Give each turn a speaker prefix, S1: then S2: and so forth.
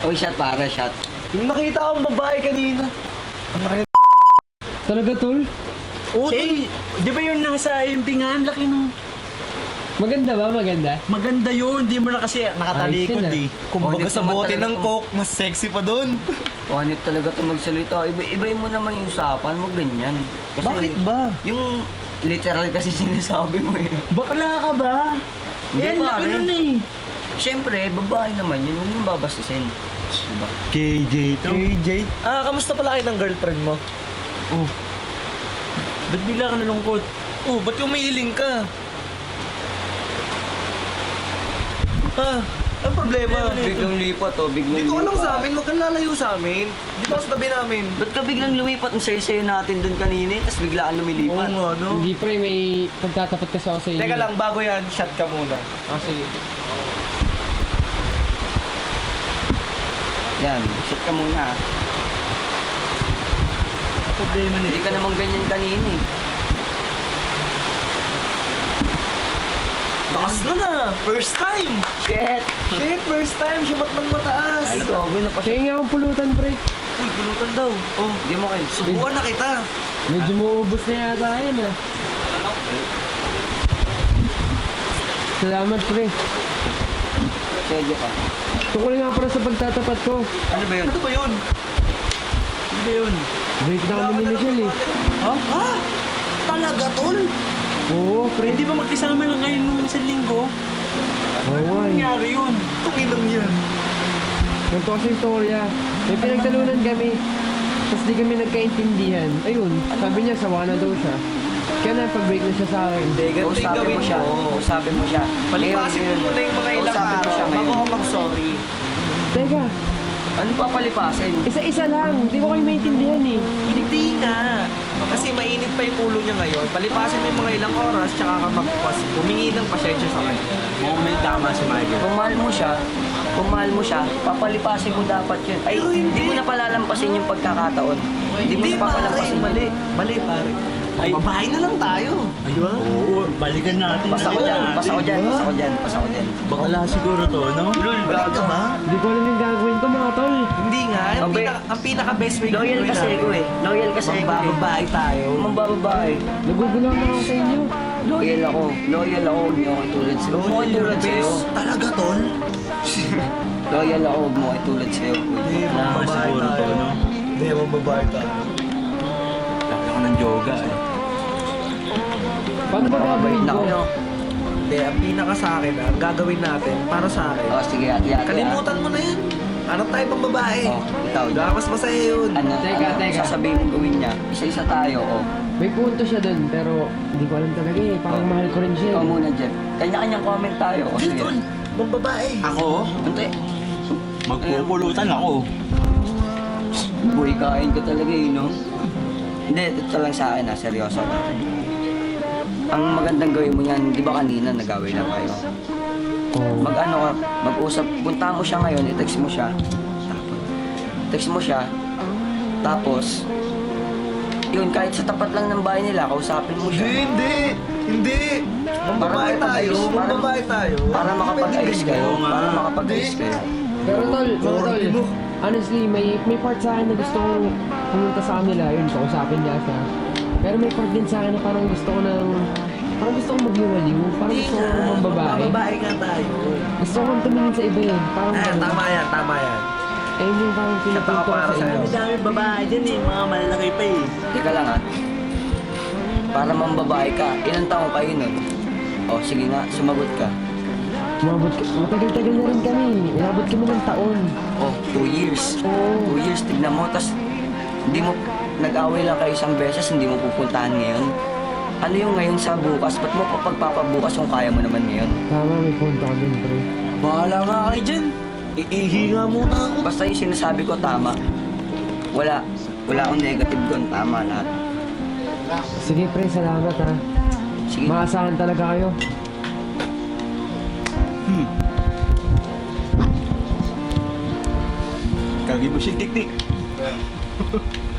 S1: Uy, shot para, shot.
S2: Yung nakita akong babae kanina.
S3: Talaga, tol?
S2: Oo, di ba yung nasa impingan? Laki nung...
S3: Maganda ba? Maganda?
S2: Maganda yun, di mo na kasi nakatalikod
S3: Ayos yun,
S2: eh. Kumbaga
S1: Honest
S2: sa
S1: naman
S2: bote
S1: talaga
S2: ng
S1: to.
S2: coke, mas sexy pa doon.
S1: Wanit talaga ito magsalita. Ibayin mo naman yung usapan mo, ganyan. Kasi
S2: Bakit ba?
S1: Yung literal kasi sinasabi mo eh.
S2: Bakla ka ba?
S1: Hindi,
S2: Eh, laki
S1: pare.
S2: nun eh.
S1: Siyempre, babae naman yun. Huwag yung babastisin. Diba?
S2: KJ to. KJ? Kamusta pala kayo ng girlfriend mo? Oh. Ba't bigla ka nalungkot? Oh, ba't umiiling ka? Ang problema?
S1: Biglang lipat oh, biglang
S2: Dito ka lang
S1: lipat.
S2: sa amin, huwag kang lalayo sa amin. Dito ka sa tabi namin.
S1: Ba't ka biglang lumipat? Ang sayo-sayo natin dun kanina, tapos biglaan lumilipat.
S2: nga, no?
S3: Hindi, pre. May pagtatapat kasi ako sa inyo.
S2: Teka lang, bago yan, shot ka muna.
S3: Kasi,
S1: Yan, shit ka muna.
S2: Problema
S1: Hindi ka naman ganyan kanina eh.
S2: Taas na! First time!
S1: Shit!
S2: Shit, first time! Siya ng mataas!
S1: Ay, gago na pa siya.
S3: kaya nga akong pulutan, pre.
S2: Uy, pulutan daw. Oh,
S1: Hindi mo kayo.
S2: subukan na kita.
S3: Medyo maubos na yata yan, ah. Salamat, pre.
S1: Sedyo ka.
S3: Tukol nga para sa pagtatapat ko.
S1: Ano ba yun?
S2: Ano ba yun? Ano ba yun?
S3: Break na kami ni Michelle, eh.
S2: Ha? Talaga, tol?
S3: Oo, pre.
S2: Hindi ba magkasama na ngayon nung isang linggo?
S3: Oo, nga, eh.
S2: Nangyari yun. Tunginang yan.
S3: Ganito kasi yung storya. May pinagtalunan kami. Tapos di kami nagkaintindihan. Ayun, sabi niya sawa na daw siya. Kaya napag-break na siya sa akin.
S2: Hindi, ganito yung
S1: Kausapin
S2: gawin
S1: mo siya.
S2: mo.
S1: Kausapin mo siya.
S2: Palipasin mo muna yung mga ilang
S1: Kausapin mo
S2: araw
S1: siya
S2: bago
S1: ngayon.
S2: ka mag-sorry.
S3: Teka,
S1: Ano pa palipasin?
S3: isa-isa lang. Di ko kayo maintindihan, eh.
S2: Hindi nga. Kasi mainit pa yung ulo niya ngayon. Palipasin mo yung mga ilang oras, tsaka ka magpas. Humingi ng pasensya sa kanya. Mukhang may tama si Michael.
S1: Kung mahal mo siya, papalipasin mo dapat yun. Ay,
S2: Pero hindi.
S1: hindi mo na palalampasin yung pagkakataon. Hindi mo na papalampasin.
S2: Mali. Mali, pare. Ay, babae na lang tayo. Ayun.
S4: Oo, balikan natin.
S1: Pasa ko dyan, pasa ko dyan, pasa ko dyan, pasa ko dyan.
S4: Bakala siguro to, no?
S2: Balik ka ba?
S3: Di ko alam yung gagawin ko, mga tol.
S2: Hindi nga.
S1: Abe.
S2: Ang pinaka-best way
S1: Loyal
S2: gawin
S1: kasi
S2: natin.
S1: ako eh. Loyal kasi ako eh.
S2: Magbababae tayo.
S1: Mambababae.
S3: Nagugulang ako sa inyo.
S1: Loyal ako. Loyal ako. Huwag niyo ako tulad sa'yo. Huwag mo ako tulad sa'yo.
S2: Talaga, tol?
S1: Loyal ako. Huwag mo ako tulad sa'yo.
S2: Hindi,
S4: Bakala siguro to, no?
S2: Hindi, mababae tayo.
S4: Laki ako ng yoga, eh.
S3: Paano ba gagawin ko?
S2: Hindi, ang pinaka sa akin, ang gagawin natin para sa akin.
S1: Oh, sige, ati-ati.
S2: Kalimutan mo na yan. Hanap tayo pang babae.
S1: Oh, ikaw.
S2: Mas masaya yun.
S1: Ano,
S3: Teka,
S1: ano,
S3: teka.
S1: sasabihin mo gawin niya. Isa-isa tayo, oh.
S3: May punto siya dun, pero hindi ko alam talaga eh. Parang
S1: Oh.
S3: mahal ko rin siya.
S1: Ikaw
S3: eh.
S1: muna dyan. Kanya-kanyang comment tayo. Oh,
S2: Hindi,
S1: sige.
S2: tol. Pang babae.
S4: Ako?
S1: Hindi.
S4: Magpupulutan ako.
S1: Boy, kain ka talaga eh, no? Hindi, ito lang sa akin seryoso. Ang magandang gawin mo yan, di ba kanina nagawin lang kayo?
S3: Oh.
S1: Mag-ano ka, mag-usap, punta mo siya ngayon, i-text mo siya. Text mo siya, tapos, yun, kahit sa tapat lang ng bahay nila, kausapin mo siya.
S2: Hindi. Pang babae tayo. Pang babae tayo.
S1: Para makapag-ayos kayo,
S4: Oo nga.
S1: para makapag-ayos kayo.
S3: Pero tol, mga tol, honestly, may part sa akin na gusto kong pumunta sa kanila, yun, kausapin niya siya. Pero may part din sa akin na parang gusto ko maghiwaliw, parang gusto ko ng babae.
S2: Babae nga tayo.
S3: Gusto ko tumingin sa iba eh, parang
S2: Tama yan, tama yan.
S3: eh yung parang pinupunto ko
S2: para
S3: sa
S2: sa'yo.
S3: inyo.
S4: Dami babae dyan eh, mga malalaki pa eh.
S1: Teka lang ha. Para mambabae ka, ilang taong kayo nun? O, sige nga, sumagot ka.
S3: Matagal-tagal na rin kami, inabot kami ng taon.
S1: Oh, 2 years.
S3: Oo.
S1: 2 years, tignan mo, tas hindi mo, nag-away lang kayo isang beses, hindi mo pupuntahan ngayon. Ano yung ngayon sa bukas? Ba't mo pa pagpapabukas kung kaya mo naman ngayon?
S3: Tama, may punto ka din, pre.
S2: Bahala nga kayo dyan. Iihi nga muna ako.
S1: Basta yung sinasabi ko, tama. Wala akong negative doon, tama lahat.
S3: Sige, pre, salamat ha.
S1: Sige,
S3: Maasahan talaga kayo.
S4: Kagi mo siya tik-tik.